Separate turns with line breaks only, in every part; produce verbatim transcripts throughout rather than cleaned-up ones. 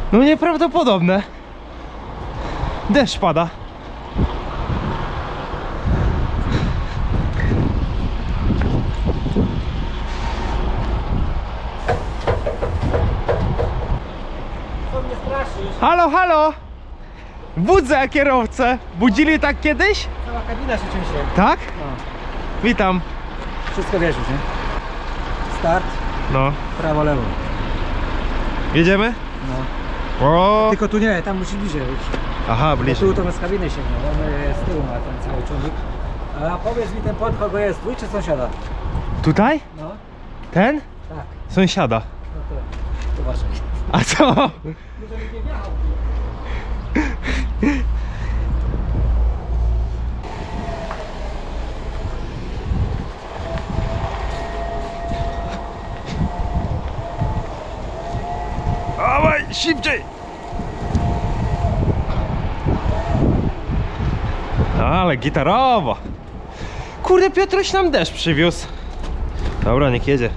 No nieprawdopodobne. Deszcz pada.
Co mnie straszysz?
Halo, halo! Budzę kierowcę. Budzili tak kiedyś?
Cała kabina się trzęsie.
Tak?
No.
Witam.
Wszystko wiesz już, nie? Start,
No.
prawo, lewo.
Jedziemy?
No.
O!
Tylko tu nie, tam musisz bliżej być.
Aha,
Bo
bliżej.
tu to my z kabiny sięgnie, on z tyłu ma ten cały ciągnik. A powiedz mi, ten płot kogo jest, twój czy sąsiada?
Tutaj?
No,
Ten?
tak.
Sąsiada.
No to, to uważaj.
A co?
Może mi nie wjechał.
Dawaj, szybciej! Ale gitarowo. Kurde, Piotruś nam deszcz przywiózł. Dobra, niech jedzie.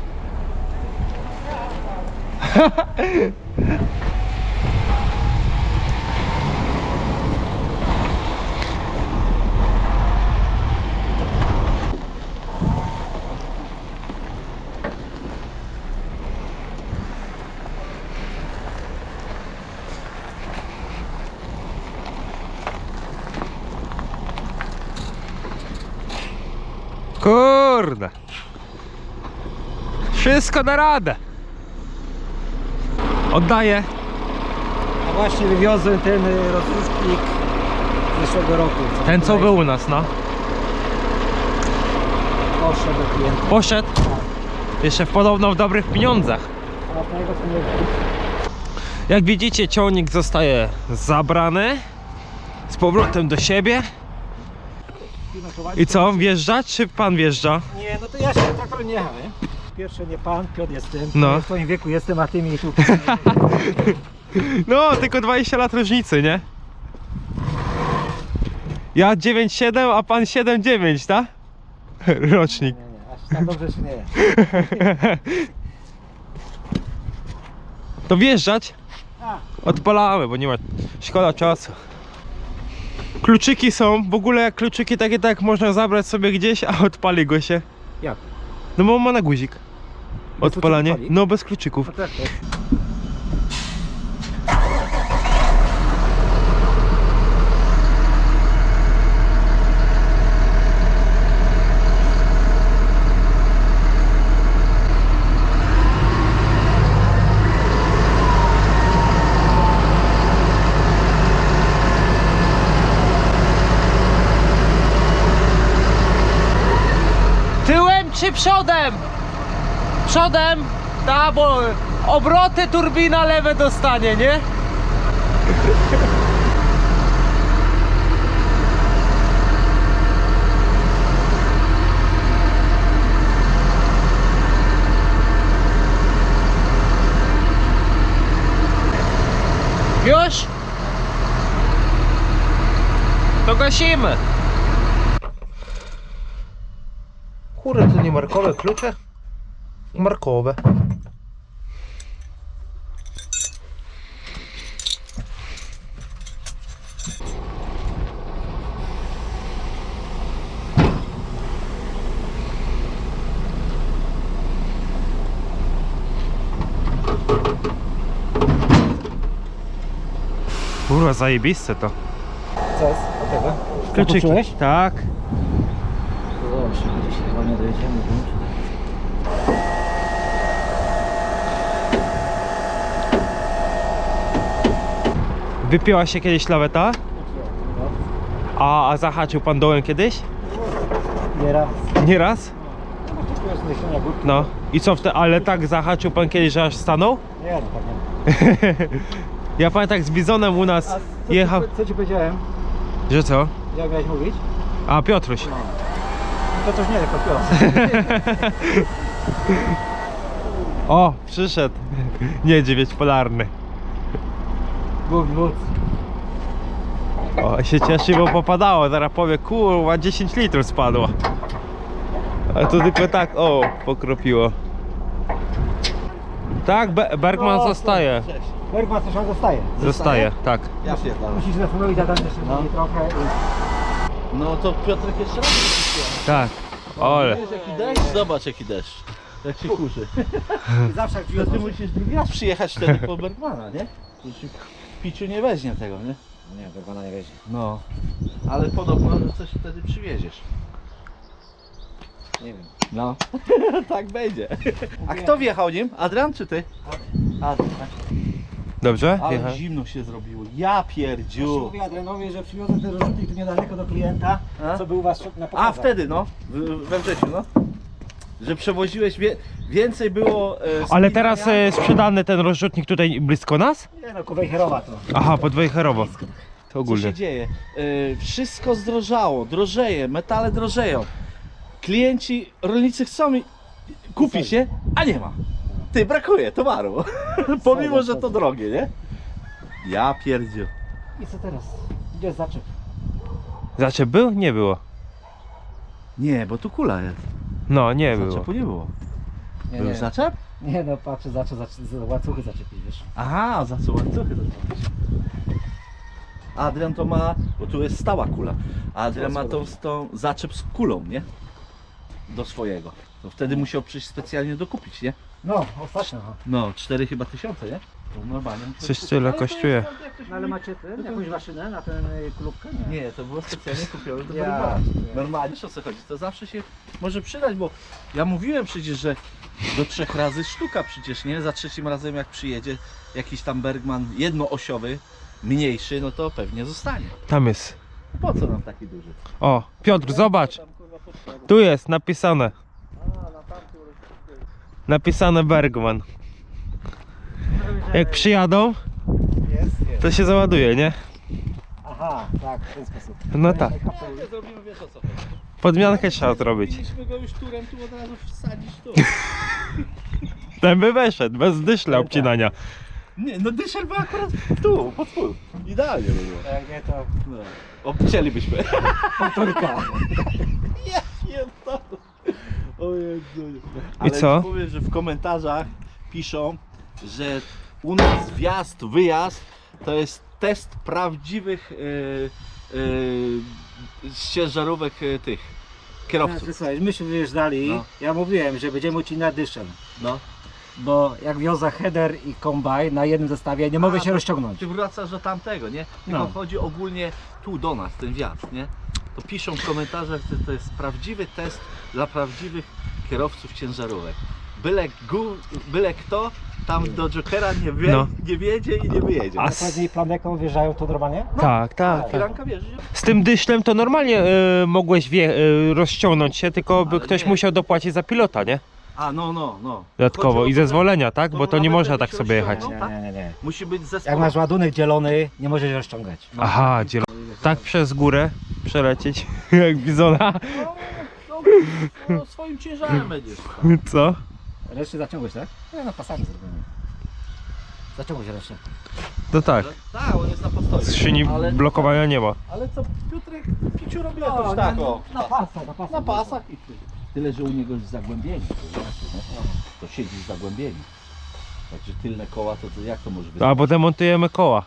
Kurde. Wszystko na radę. Oddaję.
A właśnie wywiozłem ten y, rozrusznik z zeszłego roku.
Ten co był u nas, no.
Poszedł do klienta.
Poszedł. Jeszcze podobno w dobrych pieniądzach.
A od niego to nie wiem.
Jak widzicie, ciągnik zostaje zabrany z powrotem do siebie. I co, wjeżdżać czy pan wjeżdża?
Nie, no to ja się traktor nie jechałem, nie? Pierwsze nie pan, Piotr jestem.
No.
Ja w twoim wieku jestem, a ty mi tu...
No, tylko dwadzieścia lat różnicy, nie? Ja dziewięć siedem, a pan siedem dziewięć, tak? Rocznik.
Nie, nie, aż tak dobrze się nie jest.
To wjeżdżać?
A,
Odpalamy, bo nie ma... Szkoda czasu. Kluczyki są, w ogóle jak kluczyki takie tak można zabrać sobie gdzieś, a odpali go się.
jak?
No bo ma na guzik. Odpalanie.
kluczyków pali?
No bez kluczyków.
No tak, tak.
Tyłem czy przodem? Przodem? Ta, bo obroty turbina lewe dostanie, nie? Już? To gasimy. Kurde, to nie markowe klucze? Markowe. Kurwa, zajebiste to.
Co jest od tego?
Kluczyki.
Zapocząłeś?
Tak.
Dobrze, gdzieś chyba nie dojedziemy.
Wypięła się kiedyś laweta? A, a zahaczył pan dołem kiedyś?
Nie raz.
Nie raz?
No bo tu jest myślenia górki.
No. I co wtedy? Ale tak zahaczył pan kiedyś, że aż stanął?
Nie, no tak nie.
Ja pamiętam jak z Bizonem u
A
nas
co,
jechał.
ci, co ci powiedziałem?
Że co?
Jak miałeś mówić?
A, Piotruś.
No. To też nie, tylko Piotr.
O, przyszedł. Niedźwiedź polarny.
Bóg, Bóg.
O, się cieszy, bo popadało. Zaraz powie, kurwa, dziesięć litrów spadło. A to tylko tak, o, pokropiło. Tak, Be Bergman
No,
zostaje.
Cześć.
Bergman coś on zostaje.
Zostaje, tak.
Ja pierdolę.
Musisz zastanowić, a tam jeszcze
No.
trochę.
No to Piotrek jeszcze raz przyszło.
Tak. Ole.
Wiesz jaki deszcz? Zobacz jaki deszcz. Jak się kurzy.
I zawsze jak drzwi
To ty
otworzy-
musisz drugi raz przyjechać wtedy po Bergmana, nie? To się w piciu nie weźmie tego, nie?
Nie, Bergmana nie weźmie.
No. Ale podobno, że coś wtedy przywieziesz.
Nie wiem.
No. Tak będzie. A kto wjechał nim? Adrian czy ty? Adrian, tak.
Dobrze?
Ale
Jechałem.
zimno się zrobiło. Ja
Już
pierdziu.
mówię Adrianowi, że przywiozę ten rozrzutnik tu niedaleko do klienta,
A?
co był u was na
A
pokazach.
wtedy no, w- we wrześniu no. Że przewoziłeś wie, więcej było. E,
Ale
spinania.
teraz e, sprzedany ten rozrzutnik tutaj blisko nas?
Nie no, Kowejherowa to.
Aha, pod Wejherowo. To
Co
ogólnie.
się dzieje? E, wszystko zdrożało, drożeje, metale drożeją. Klienci, rolnicy chcą mi kupić, nie? A nie ma. Ty, brakuje towaru. Pomimo, że to drogie, nie? Ja pierdziu.
I co teraz? Gdzie jest zaczep?
Zaczep był? Nie było.
Nie, bo tu kula jest.
No, nie było.
Zaczepu nie było.
Nie,
Był
nie.
zaczep?
Nie no, patrzę, zaczep, zaczep, łańcuchy zaczepić, wiesz.
Aha, za co łańcuchy to zrobić. Adrian to ma, bo tu jest stała kula. A Adrian ma tą, tą zaczep z kulą, nie? Do swojego. To wtedy musiał przyjść specjalnie dokupić, nie?
No, ostatnio. aha.
No, cztery chyba tysiące, nie? To normalnie. musiał
Coś
kupić.
tyle
Ale to
kosztuje.
jest, jak ktoś
No, ale
mówi-
macie ten, jakąś maszynę na tę y, klubkę? Nie.
Nie, to było specjalnie kupione do
Ja,
Bergmana.
nie.
Normalnie, wiesz o co chodzi? To zawsze się może przydać, bo ja mówiłem przecież, że do trzech razy sztuka przecież, nie? Za trzecim razem jak przyjedzie jakiś tam Bergman jednoosiowy, mniejszy, no to pewnie zostanie.
Tam jest.
Po co nam taki duży?
O, Piotr, zobacz.
Tam, kurwa, potrzeba.
Tu jest napisane.
A, na tamtym rozdziale.
Napisane Bergman. Jak przyjadą,
Jest, jest.
to się załaduje, nie?
Aha, tak, w ten sposób.
No tak.
Nie, nie zrobimy, wiesz o co chodzi.
Podmiankę trzeba zrobić.
Powinniśmy go już turem tu od razu wsadzić tu.
Ten by weszedł, bez dyszla obcinania.
Nie, no dyszel był akurat tu, pod spód. Idealnie by było.
Jak nie to
No. Obcięlibyśmy.
powtórka.
Ja pierdolę. O Jezu. Ale
co?
ci powiem, że w komentarzach piszą, że u nas wjazd, wyjazd to jest test prawdziwych yy, yy, ciężarówek yy, tych kierowców.
Słuchaj, myśmy wyjeżdżali,
No.
ja mówiłem, że będziemy ucinać dyszem.
No.
Bo jak wiozę header i kombaj na jednym zestawie, nie mogę
A,
się
to
rozciągnąć.
Ty wracasz do tamtego, nie? Tylko
No.
chodzi ogólnie tu do nas, ten wjazd, nie? To piszą w komentarzach, że to jest prawdziwy test dla prawdziwych kierowców ciężarówek. Byle, gu, byle kto tam do Jokera nie, wie,
No.
nie wiedzie i nie wyjedzie.
A
A
s-
później planeką wjeżdżają to normalnie?
Tak, tak, tak.
Firanka wierzy, że...
Z tym dyszlem to normalnie e, mogłeś wie, e, rozciągnąć się, tylko by
Ale
ktoś
nie.
musiał dopłacić za pilota, nie?
A, no, no, no.
Dodatkowo
Chodzi
i
o to, że
zezwolenia, tak?
to
Bo to nie
nawet
można
jakbyś
tak sobie jechać.
rozciągnął,
Nie, nie, nie, nie.
Musi być zespół.
Jak masz ładunek dzielony, nie możesz się rozciągać.
Aha, dzielo. Tak przez górę przelecieć, jak bizona.
No, no, no, swoim ciężarem będziesz.
Co?
Reszty zaciągłeś, tak? Nie, no pasami zrobimy. Zaciągłeś resztę.
To tak.
Tak, on jest na postoju.
Skrzyni
ale,
blokowania nie ma.
ale co Piotrek Piciu robi
No,
jakoś
na,
tak,
na,
o.
na pasach, na pasach.
Na pasach i tyle. Tyle, że u niego jest zagłębienie. To, znaczy, nie? To siedzi w zagłębieniu. Także tylne koła, to, to jak to może być?
A potem montujemy koła.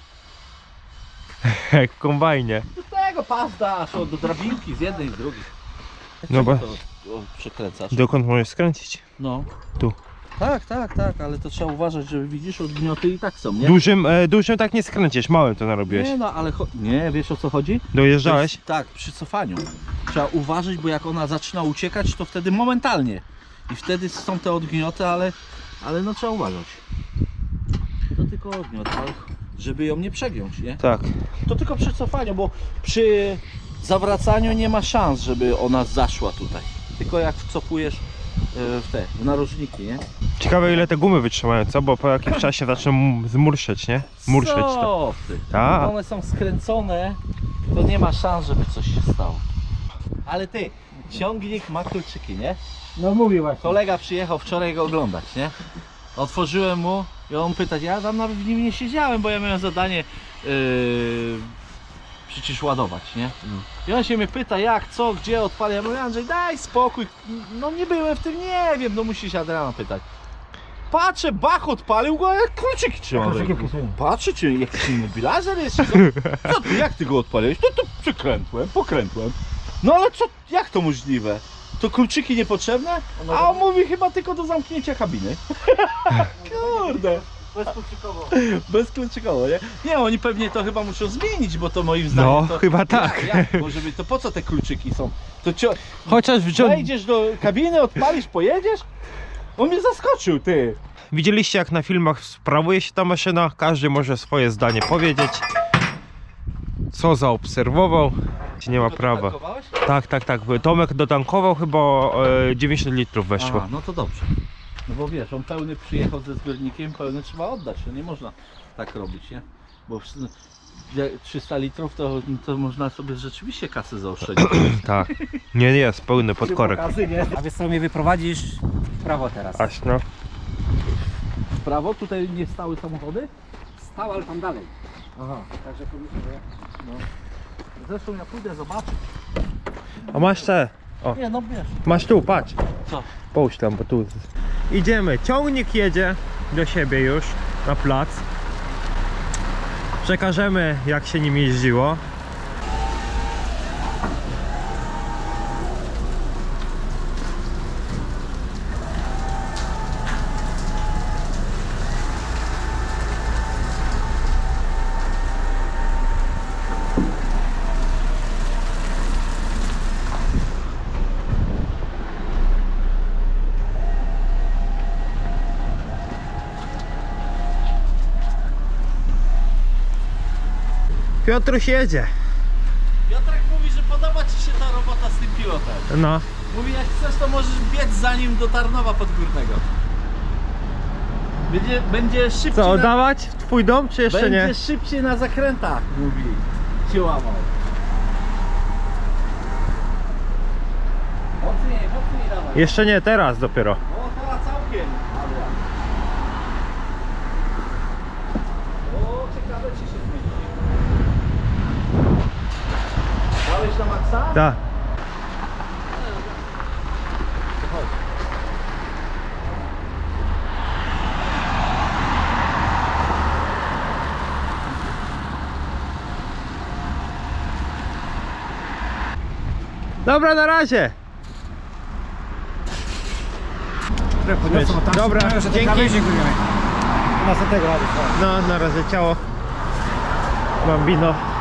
Jak w kombajnie.
Do tego pas dasz, o, do drabinki z jednej i z drugiej.
No bo
To o, przekręcasz.
dokąd możesz skręcić?
No.
Tu.
Tak, tak, tak, ale to trzeba uważać, że widzisz, odgnioty i tak są, nie?
Dużym, e, dużym tak nie skręcisz, małym to narobiłeś.
Nie no, ale cho- nie, wiesz o co chodzi?
Dojeżdżałeś?
To jest- Tak, przy cofaniu. Trzeba uważać, bo jak ona zaczyna uciekać, to wtedy momentalnie. I wtedy są te odgnioty, ale, ale no trzeba uważać. To tylko odgniot, ale żeby ją nie przegiąć, nie?
Tak.
To tylko przy cofaniu, bo przy zawracaniu nie ma szans, żeby ona zaszła tutaj. Tylko jak wcofujesz e, w te w narożniki, nie?
Ciekawe ile te gumy wytrzymają, co? Bo po jakimś czasie zaczną m- zmurszeć, nie? Murszeć to.
Co ty?
Tak.
Jak one są skręcone, to nie ma szans, żeby coś się stało. Ale ty, ciągnik ma kluczyki, nie?
No mówi właśnie.
Kolega przyjechał wczoraj go oglądać, nie? Otworzyłem mu i on pytać, ja tam nawet w nim nie siedziałem, bo ja miałem zadanie yy, przecież ładować, nie? I on się mnie pyta, jak, co, gdzie, odpalę. Ja mówię, Andrzej, daj spokój, no nie byłem w tym, nie wiem, no musisz Adriana pytać. patrzę, bach odpalił go, a jak kluczyki trzyma. w ręku. Patrzę, czy jakiś immobilizer jest, czy co? Co ty, jak ty go odpaliłeś? No to przykrętłem, pokrętłem. No ale co, jak to możliwe? To kluczyki niepotrzebne? A on mówi chyba tylko do zamknięcia kabiny. Kurde.
Bezkluczykowo.
Bezkluczykowo, nie? Nie, oni pewnie to chyba muszą zmienić, bo to moim zdaniem
No,
to...
chyba tak.
Jak, jak może być? To po co te kluczyki są? To cio...
Chociaż wziął...
wejdziesz do kabiny, odpalisz, pojedziesz? On mnie zaskoczył, ty.
Widzieliście, jak na filmach sprawuje się ta maszyna? Każdy może swoje zdanie powiedzieć. Co zaobserwował? Czy nie ma
To
prawa.
tankowałeś?
Tak, tak, tak. Tomek dotankował, chyba e, dziewięćdziesiąt litrów weszło.
A, no to dobrze. No bo wiesz, on pełny przyjechał ze zbiornikiem, pełny trzeba oddać, no nie można tak robić, nie? Bo w- jak trzysta litrów to, to można sobie rzeczywiście kasę zaoszczędzić.
Tak. Nie, nie, jest pełny podkorek.
A wiesz co, mnie wyprowadzisz w prawo teraz.
Aś no.
W prawo tutaj nie stały samochody?
Stał, ale tam dalej.
Aha.
Także pomyślę, że...
No. Zresztą ja pójdę zobaczyć.
A masz te. O,
Nie no wiesz.
masz tu, patrz.
Co?
Połóż tam, bo tu. Idziemy. Ciągnik jedzie do siebie już na plac. Przekażemy, jak się nim jeździło. Piotruś jedzie.
Piotrek mówi, że podoba ci się ta robota z tym pilotem.
No.
Mówi, jak chcesz, to możesz biec za nim do Tarnowa Podgórnego. Będzie, będzie szybciej.
Co,
na,
oddawać w twój dom, czy jeszcze
będzie
nie?
szybciej na zakrętach, mówi. Się łamał. Mocniej, mocniej dawaj.
Jeszcze nie, teraz dopiero.
O, teraz całkiem. Adrian. O, ciekawe czy się zmieni. Dałeś na maksa?
Tak. Dobra, na razie. Dobra, dzięki.
Następnego razu.
No, na razie, ciało. Bambino.